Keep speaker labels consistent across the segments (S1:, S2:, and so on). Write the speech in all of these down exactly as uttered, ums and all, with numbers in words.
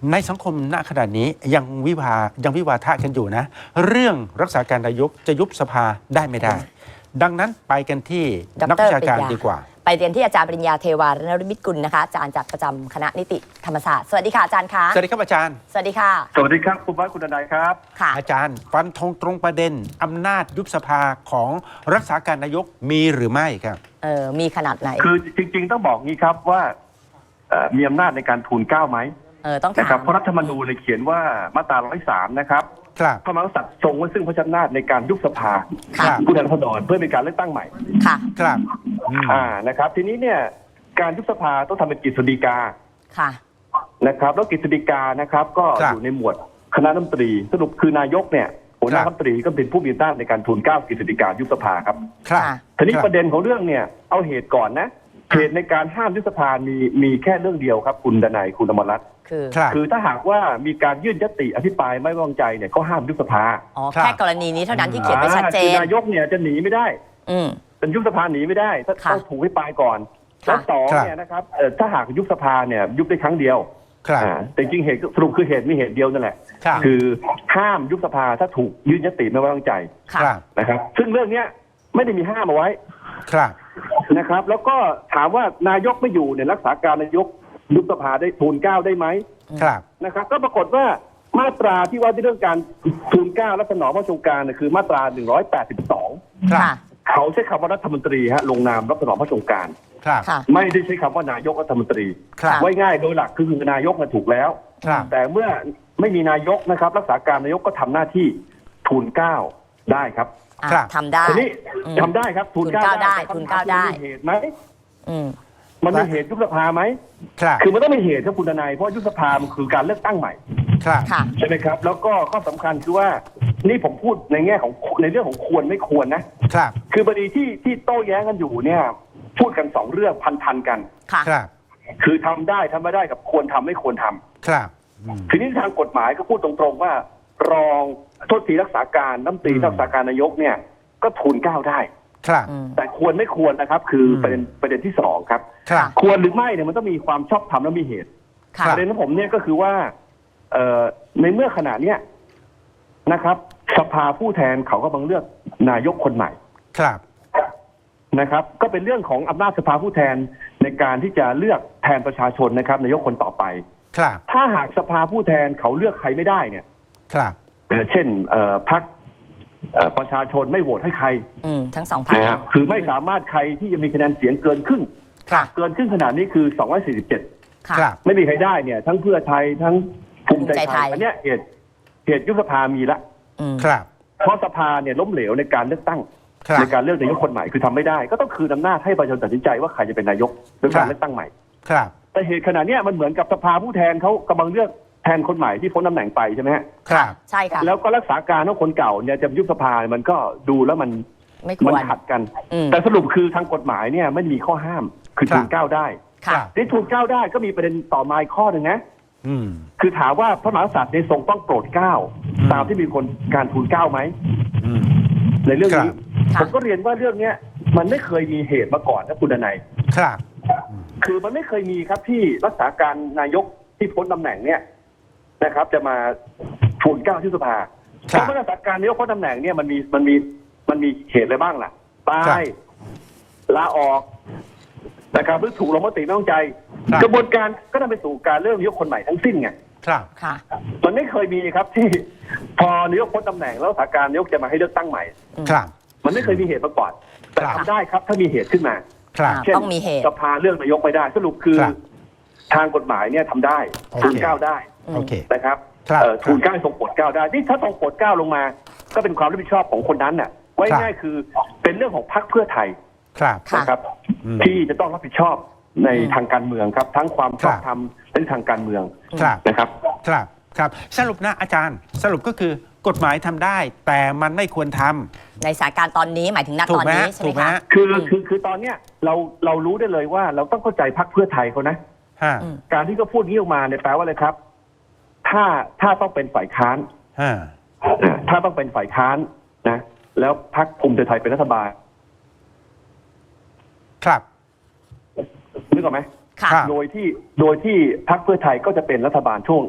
S1: ในสังคมณขณะนี้ยังวิวายังวิวาทะกันอยู่นะเรื่องรักษาการนายกจะยุบสภาได้ไม่ได้ดังนั้นไปกันที่นักวิชาการดีกว่า
S2: ไปเรียนที่อาจารย์ปริญญาเทวานฤมิตกุลนะคะอาจารย์จากประจำคณะนิติธรรมศาสตร์สวัสดีค่ะอาจารย์คะ
S1: สวัสดีครับอาจารย์
S2: สวัสดีค่ะ
S3: สวัสดีครับคุณวัฒน์คุณดนัยครับ
S2: ค่ะ
S1: อาจารย์ฟันธงตรงประเด็นอำนาจยุบสภาของรักษาการนายกมีหรือไม่ครับ
S2: เออมีขนาดไหน
S3: คือจริงๆต้องบอกงี้ครับว่ามีอำนาจในการทูลเกล้าไหม
S2: เออต้องถาม
S3: นะครับเพราะรัฐธรรมนูญเขียนว่ามาตราหนึ่งร้อยสามนะครับพระมหากษัตริย์ทรงไว้ซึ่งพระอำนาจในการยุบสภาผู้แทนราษฎรเพื่อเป็นการเลือกตั้งใหม่
S2: ค่ะ
S1: ครับ
S3: อ่านะครับทีนี้เนี่ยการยุบสภาต้องทำเป็นกฤษฎีกา
S2: ค่ะ
S3: นะครับแล้วกฤษฎีกานะครับก็อยู่ในหมวดคณะรัฐมนตรีสรุปคือนายกเนี่ยหัวหน้ารัฐมนตรีก็เป็นผู้มีอำนาจในการทูลเกล้ากฤษฎีกายุบสภาครับ
S1: ครับ
S3: ทีนี้ประเด็นของเรื่องเนี่ยเอาเหตุก่อนนะเหตุในการห้ามยุบสภามีมีแค่เรื่องเดียวครับคุณดนัยคุณอมรรัตน์
S2: คือ
S3: คือถ้าหากว่ามีการยื่นยติอภิปรายไม่ไว้วางใจเนี่ยก็ห้ามยุบสภา
S2: อ๋อแค่กรณีนี้เท่านั้นที่เขียนไว้ชัดเจน
S3: นายกเนี่ยจะหนีไม่ได้
S2: อืม
S3: เป็นยุบสภาหนีไม่ได้ต้องถูกอภิปรายก่อนแล้วสองเนี่ยนะครับถ้าหากยุบสภาเนี่ยยุบได้ครั้งเดียวแต่จริงเหตุสรุปคือเหตุมีเหตุเดียวนั่นแหละคือห้ามยุบสภาถ้าถูกยื่นยติไม่ไว้วางใจนะครับซึ่งเรื่องเนี้ยไม่ได้มีห้ามเอาไว้นะครับแล้วก็ถามว่านายกไม่อยู่เนี่ยรักษาการนายกยุบสภาได้ทูลเกล้าได้ไหมนะครับก็ปรากฏว่ามาตราที่ว่าด้วยเรื่องการทูลเกล้าและสนองพระราชโองการเนี่ยคือมาตราหนึ่งร้อยแปดสิบสองเขาใช้คำว่ารัฐมนตรีฮะลงนามรับสนองพระราชโองการไม่ได้ใช้คำว่านายกรัฐมนตรีไว้ง่ายโดยหลักคือนายกถูกแล้วแต่เมื่อไม่มีนายกนะครับรักษาการนายกก็ทำหน้าที่ทูลเกล้าได้ครับ
S2: ทำได้
S3: ทีนี้ทำได้ครับทูลเกล้า
S2: ได้ทูลเกล้าได้
S3: เหตุไหมมันมีเหตุยุบสภาไหมคือมันต้องมีเหตุครับคุณทนายเพราะยุบสภามันคือการเลือกตั้งใหม่ใช่ไหมครับแล้วก็ข้อสำคัญคือว่านี่ผมพูดในแง่ของในเรื่องของควรไม่ควรนะคือบดีที่ที่โต้แย้งกันอยู่เนี่ยพูดกันสองเรื่องพันๆกันคือทำได้ทำไม่ได้กับควรทำไม่ควรทำทีนี้ทางกฎหมายก็พูดตรงๆว่ารองโทษทีรักษาการน้ำตีรักษาการนายกเนี่ยก็ทูลเกล้าได้แต่ควรไม่ควรนะครับคือประเด็นประเด็นที่สองครับควรหรือไม่เนี่ยมันต้องมีความชอบธรรมและมีเหตุประเด็นของผมเนี่ยก็คือว่าในเมื่อขณะเนี้ยนะครับสภาผู้แทนเขากำลังเลือกนายกคนใหม่นะครับก็เป็นเรื่องของอำนาจสภาผู้แทนในการที่จะเลือกแทนประชาชนนะครับนายกคนต่อไปถ้าหากสภาผู้แทนเขาเลือกใครไม่ได้เนี่ยเช่นพรรคประชาชนไม่โหวตให้ใคร
S2: ทั้งสองพรรค
S3: คือไม่สามารถใครที่จะมีคะแนนเสียงเกินครึ่งเกินครึ่งขนาดนี้คือสองร้อยสี่สิบเจ็ดไม่มีใครได้เนี่ยทั้งเพื่อไทยทั้งภูมิใจไทยอันนี้เหตุเหตุยุบสภามีละเพราะสภาเนี่ยล้มเหลวในการเลือกตั้งในการเลือกนายกคนใหม่คือทำไม่ได้ก็ต้องคืนอำนาจให้ประชาชนตัดสินใจว่าใครจะเป็นนายกโดยการเลือกตั้งใหม่แต่เหตุขณะนี้มันเหมือนกับสภาผู้แทนเขากำลังเลือกแทนคนใหม่ที่พ้นตำแหน่งไปใช่ไหมฮะ
S2: ครับใช่ค่ะ
S3: แล้วก็รักษาการของคนเก่าเนี่ยจะยุบสภามันก็ดูแล้วมัน
S2: มัน
S3: ขัดกันแต่สรุปคือทางกฎหมายเนี่ยไม่มีข้อห้ามคือทูลเกล้าได้ที่ทูลเกล้าได้ก็มีประเด็นต่อมาอีกข้อหนึ่งนะคือถามว่าพระมหากษัตริย์ในทรงต้องโปรดเกล้าตามที่มีคนการทูลเกล้าไหมในเรื่องนี้ผมก็เรียนว่าเรื่องเนี้ยมันไม่เคยมีเหตุมาก่อนนะคุณดนัยคือมันไม่เคยมีครับที่รักษาการนายกที่พ้นตำแหน่งเนี่ยนะครับจะมาทูลเกล้าที่สภาเพราะรักษาการนายกพ้นตำแหน่งเนี่ยมันมีมันมีมันมีเหตุอะไรบ้างล่ะตายลาออกนะครับหรือถูกลงมติไม่ต้องใจกระบวนการก็นำไปสู่การเริ่มนายกคนใหม่ทั้งสิ้นไง
S1: ครับ
S2: ค่ะ
S3: มันไม่เคยมีครับที่พอนายกพ้นตำแหน่งแล้วรักษาการนายกจะมาให้เลือกตั้งใหม่
S1: ครับ
S3: มันไม่เคยมีเหตุมาก่อนแต่ทำได้ครับถ้ามีเหตุขึ้นมา
S2: เช่นต้องมีเหตุ
S3: สภาเรื่องนายกไม่ได้สรุปคือทางกฎหมายเนี่ยทำได้ทูลเกล้าได้นะครับทูลเกล้าทรงโปรดเกล้าได้นี่ถ้าทรงโปรดเกล้าลงมาก็เป็นความรับผิดชอบของคนนั้นน่ะไว้ง่ายคือเป็นเรื่องของพรรคเพื่อไทยนะครับที่จะต้องรับผิดชอบในทางการเมืองครับทั้งความชอบธรรมและทางการเมืองนะครับ
S1: ครับครับสรุปนะอาจารย์สรุปก็คือกฎหมายทำได้แต่มันไม่ควรทำ
S2: ในสถานการณ์ตอนนี้หมายถึงณตอนนี้ใช่ไหมคะ
S3: คือคือคือตอนเนี้ยเราเรารู้ได้เลยว่าเราต้องเข้าใจพรรคเพื่อไทยเขานะการที่เขาพูดนี้ออกมาเนี่ยแปลว่าอะไรครับถ้าถ้าต้องเป็นฝ่ายค้านถ้าต้องเป็นฝ่ายค้านนะแล้วพรรคภูมิใจไทยเป็นรัฐบาล
S1: ครับ
S3: นึกออกไหมโดยที่โดยที่พรรคเพื่อไทยก็จะเป็นรัฐบาลช่วง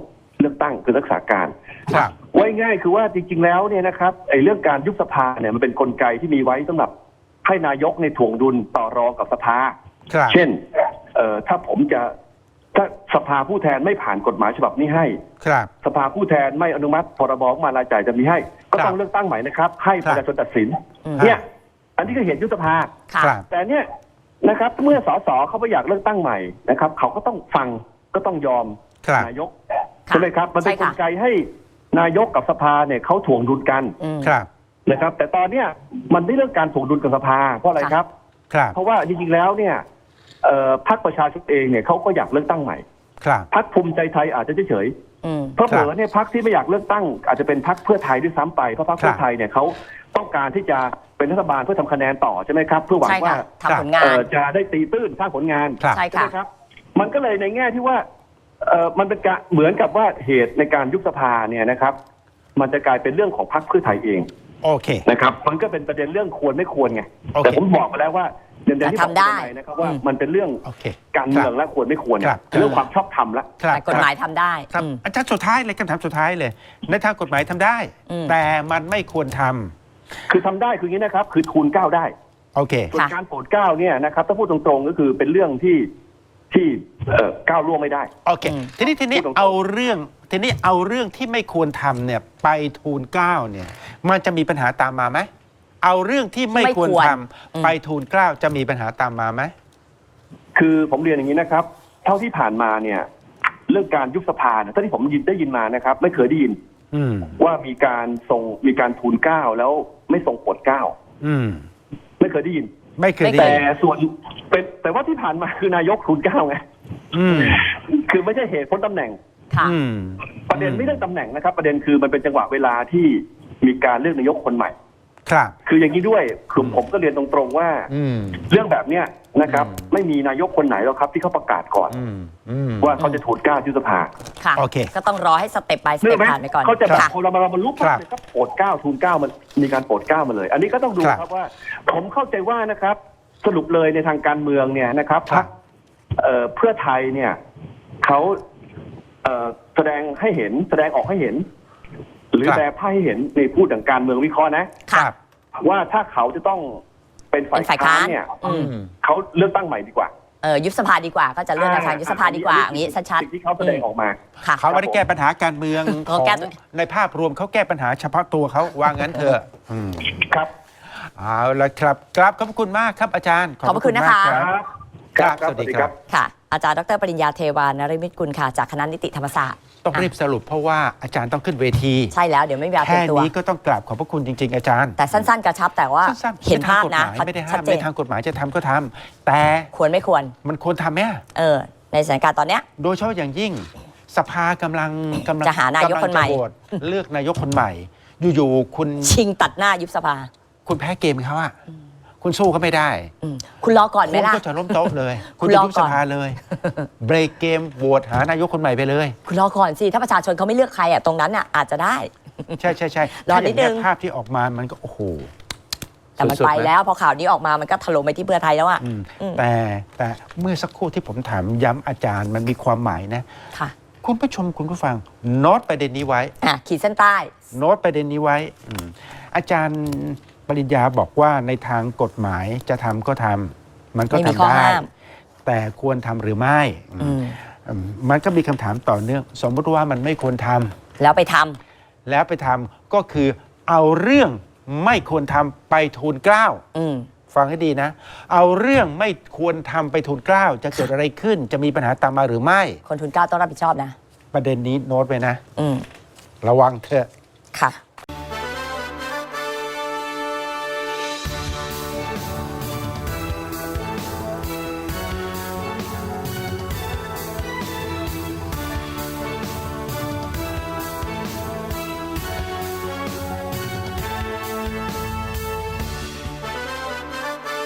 S3: ลือกตั้งคือรักษาการ
S1: ครับ
S3: ไว้ง่ายคือว่าจริงๆแล้วเนี่ยนะครับไอ้เรื่องการยุบสภาเนี่ยมันเป็นกลไกที่มีไว้สำหรับให้นายกในถ่วงดุลต่อรองกับสภา
S1: ครับ
S3: เช่นเอ่อถ้าผมจะถ้าสภาผู้แทนไม่ผ่านกฎหมายฉบับนี้ให้
S1: ครับ
S3: สภาผู้แทนไม่อนุมัติพรบงบประมาณรายจ่ายจะมีให้ ก็
S1: ครับ
S3: ต้องเลือกตั้งใหม่นะครับ ให้
S1: ครั
S3: ป
S1: บ
S3: ระชาชนตัดสิน
S2: อืม
S3: เนี่ยอันนี้ก็เห็นยุบสภา
S2: ค่ะ
S1: ครับ
S3: แต่เนี่ยนะครับเมื่อสสเขาไม่อยากเลือกตั้งใหม่นะครับเขาก็ต้องฟังก็ต้องยอม
S1: ครับ
S3: นายก
S2: ค่ะ
S3: ใช่ไหมครับมันเป็น
S2: ใช่
S3: ก
S2: ค่ะ
S3: ลไกให้นายกกับสภาเนี่ยเขาถ่วงดุลกัน
S2: อืม
S1: ครับ
S3: นะครับ แต่ตอนเนี้ยมันไม่เรื่องการถ่วงดุลกับสภาเพราะอะไร
S2: ค่ะ
S3: ครับ
S1: ครับ
S3: เพราะว่าจริงๆแล้วเนี่ยเอ่อพรรคประชาชนเองเนี่ยเขาก็อยากเลือกตั้งใหม่
S1: ครับ
S3: พรรคภูมิใจไทยอาจจะเฉย
S2: อืม
S3: ๆเพราะ
S1: ค
S3: เผ
S1: รับ
S3: ลอเนี่ยพรรคที่ไม่อยากเลือกตั้งอาจจะเป็นพรรคเพื่อไทยด้วยซ้ำไปเพราะพรรค
S1: ครับ
S3: เพื่อไทยเนี่ยเขาต้องการที่จะเป็นรัฐบาลเพื่อทำคะแนนต่อใช่ไหมครับเพื่อหวัง
S2: ใช่
S3: ว่า
S2: ค่ะทำผลงา
S3: เอ่
S2: น
S3: อจะได้ตีตื้นสร้างผลงาน
S1: ครับ
S2: ใช่
S3: ใช่ไห
S2: ค่ะ
S3: มครับ มันก็เลยในแง่ที่ว่าเอ่อมันเป็นการเหมือนกับว่าเหตุในการยุบสภาเนี่ยนะครับ มันจะกลายเป็นเรื่องของพรรคเพื่อไทยเอง
S1: โอเค
S3: นะครับ มันก็เป็นประเด็นเรื่องควรไม่ควรไง
S1: โอเค
S3: แต่ผมบอกไปแล้วว่าเดี๋ยวที่ผม
S2: ทำได้
S3: จะปนะครับว่า
S2: อืม
S3: มันเป็นเรื่อง
S1: โอเค
S3: การเมืองและควรไม่ควร
S1: ครับ
S3: เรื่องความชอบธรรมละ
S1: ครับ
S2: แต่กฎหมายทำได้
S1: ครับ
S2: อืม
S1: อาจารย์สุดท้ายเลยคำถามสุดท้ายเลย ในทางกฎหมายทำได้
S2: อืม
S1: แต่มันไม่ควรทำ
S3: คือทำได้คืออย่างนี้นะครับ คือทูลเกล้าได้
S1: โอเค
S3: ส่วน
S2: ค่ะ
S3: การโปรดเกล้าเนี่ยนะครับถ้าพูดตรงๆก็คือเป็นเรื่องที่ที่เอ่อก้าวล่วงไม่ได้
S1: โอเค
S2: อืม
S1: ทีนี้ทีนี้
S3: พูดตรงๆ
S1: เอาเรื่องทีนี้เอาเรื่องที่ไม่ควรทำเนี่ยไปทูลเกล้าเนี่ย มันจะมีปัญหาตามมาไหมเอาเรื่องที่ไม่
S2: ไม่
S1: ค
S2: ควว
S1: ร
S2: ร
S1: ท
S2: อืม
S1: ำไปทูลเกล้าจะมีปัญหาตามมาไหม
S3: คือผมเรียนอย่างนี้นะครับ เท่าที่ผ่านมาเนี่ยเรื่องการยุบสภาเนี่ยเท่าที่ผมยินได้ยินมานะครับ ไม่เคยได้ยิน
S1: อืม
S3: ว่ามีการส่งมีการทูลเกล้าแล้วไม่ส่งโปรดเกล้า
S1: อืม
S3: ไม่เคยได้ยิน
S1: ไม่เคยได้
S3: แต่
S1: ยิน
S3: ส่วนเป็นแต่ว่าที่ผ่านมาคือนายกทูลเกล้าไง
S1: อืม
S3: คือไม่ใช่เหตุพ้นตำแหน่ง
S2: ค่ะ
S1: อืม
S3: ประเด็นไม่เรื่องตำแหน่งนะครับ ประเด็นคือมันเป็นจังหวะเวลาที่มีการเลือกนายกคนใหม่
S1: ครับ
S3: คืออย่างนี้ด้วยคือผมก็เรียนตรงๆว่า
S1: อืม
S3: เรื่องแบบเนี้ยนะครับ
S1: อืม
S3: ไม่มีนายกคนไหนหรอกครับที่เขาประกาศก่อน
S1: อืมอืม
S3: ว่าเขาจะทูลเกล้ายุบสภา
S2: ค่ะ
S1: โอเค
S2: ก็ต้องรอให้สเต็ป by ส
S3: เนื่
S2: เต็
S3: อ
S2: ป
S3: ไหม
S2: ผ่านไปก่อน
S3: เขาจะแบบ
S2: ค่ะ
S3: คนเรามาบรรลุ
S1: ครั
S3: ปั๊
S1: บ
S3: บเนี่ยก็โปรดเกล้าทูลเกล้ามันมีการโปรดเกล้ามาเลย อันนี้ก็ต้องดู
S1: ครับ
S3: ครับว่า ผมเข้าใจว่านะครับ สรุปเลยในทางการเมืองเนี่ยนะครับ
S1: ครับ
S3: เอ่อเพื่อไทยเนี่ยเขาเอ่อแสดงให้เห็นแสดงออกให้เห็น หรือ
S1: ครับ
S3: แสดงให้เห็นในพูดถึงการเมืองวิเคราะห์นะ
S1: ค
S2: ค่ะ
S1: รับ
S3: ว่าถ้าเขาจะต้องเป็นฝ่าย
S2: เป็นฝ่าย
S3: ค้า
S2: ค้าน น
S3: เนี่ย
S2: อืม
S3: เขาเลือกตั้งใหม่ดีกว่า
S2: เออยุบสภาดีกว่า ก็จะเลือกในทางยุบสภาดีกว่าอย่างนี้ชัด
S3: สิ่งที่เขาแสดงออกมา
S2: ๆค่ะ
S1: เขาไม่ได้แก้ปัญหาการเมืองข
S2: เขา
S1: อง
S2: แก้ตัว
S1: ในภาพรวมเขาแก้ปัญหาเฉพาะตัวเขาว่างั้นเถอะอืม
S3: ครับ
S1: เอาละครับกราบขอบพระคุณมากครับอาจารย์
S2: ขอบพระคุณนะคะ
S1: มากรับ
S3: ครับ
S1: ครับสวัสดีครับ
S2: ค่ะ อาจารย์ดรปริญญาเทวานฤมิตกุลค่ะ จากคณะนิติธรรมศาสตร์
S1: ต้องรีบสรุปเพราะว่าอาจารย์ต้องขึ้นเวที
S2: ใช่แล้วเดี๋ยวไม่มีเวลาเตรี
S1: แค่
S2: ยมตัว
S1: นี้ก็ต้องกราบขอบพระคุณจริง ๆ อาจารย์
S2: แต่สั้นๆ กระชับแต่ว่า
S1: สั้นๆ
S2: เห็นภาพนะ
S1: ไม่ได้ห้า
S2: ชัด
S1: ม
S2: เจ
S1: ใน
S2: น
S1: ทางกฎหมายจะทำก็ทำแต่
S2: ควรไม่ควร
S1: มันควรทำไหม
S2: เออ ในสถานการณ์ตอนเนี้ย
S1: โดยเฉพาะอย่างยิ่งสภากำลังกำลัง
S2: จะหานายกคนใหม่
S1: กำลังจะโหวตเลือกนายกคนใหม่ อยู่ๆคุณ
S2: ชิงตัดหน้ายุบสภา
S1: คุณแพ้เกมเขาอะคุณสู้เขาไม่ได้
S2: อืมคุณรอก่อนไหม
S1: คุณ
S2: ล่ะ
S1: ก็จะล้มโต๊ะเลย
S2: คุ
S1: คุณ
S2: ณ
S1: จะ
S2: รอ
S1: ยุบ
S2: ก่
S1: ส
S2: อน
S1: ภาเลยเบรกเกมโหวตหานายกคนใหม่ไปเลย
S2: คุณรอก่อนสิ ถ้าประชาชนเขาไม่เลือกใครอ่ะตรงนั้นอ่ะอาจจะได้
S1: ใช่ใช่ใช่
S2: รอนิดนึง
S1: ถ้าย่าเยภาพที่ออกมามันก็โอ้โห
S2: แต่มัน
S1: สุดๆ
S2: ไป
S1: นะ
S2: แล้วพอข่าวนี้ออกมามันก็ถล่มไปที่เพื่อไทยแล้วอ่ะ
S1: อืม
S2: อืม
S1: แต่แต่เมื่อสักครู่ที่ผมถามย้ำอาจารย์มันมีความหมายนะ
S2: ค่ะ
S1: คุณผู้ชมคุณผู้ฟังโน้ตประเด็นนี้ไว้
S2: อ่ะขีดเส้นใต้
S1: โน้ตประเด็นนี้ไว้อืมอาจารย์ปริญญาบอกว่าในทางกฎหมายจะทำก็ทำมันก็
S2: ไม่มี
S1: ทำ
S2: ข้อ
S1: ได้
S2: ห้าม
S1: แต่ควรทำหรือไม่
S2: อืม
S1: อืมมันก็มีคำถามต่อเนื่อง สมมติว่ามันไม่ควรทำ
S2: แล้วไปทำ
S1: แล้วไปทำก็คือเอาเรื่องไม่ควรทำไปทูลเกล้า
S2: อืม
S1: ฟังให้ดีนะ เอาเรื่องไม่ควรทำไปทูลเกล้าจะเกิดอะไรขึ้น จะมีปัญหาตามมาหรือไม่
S2: คนทุนเกล้าต้องรับผิดชอบนะ
S1: ประเด็นนี้โน้ตไปนะ
S2: อืม
S1: ระวังเถอะ
S2: ค่ะ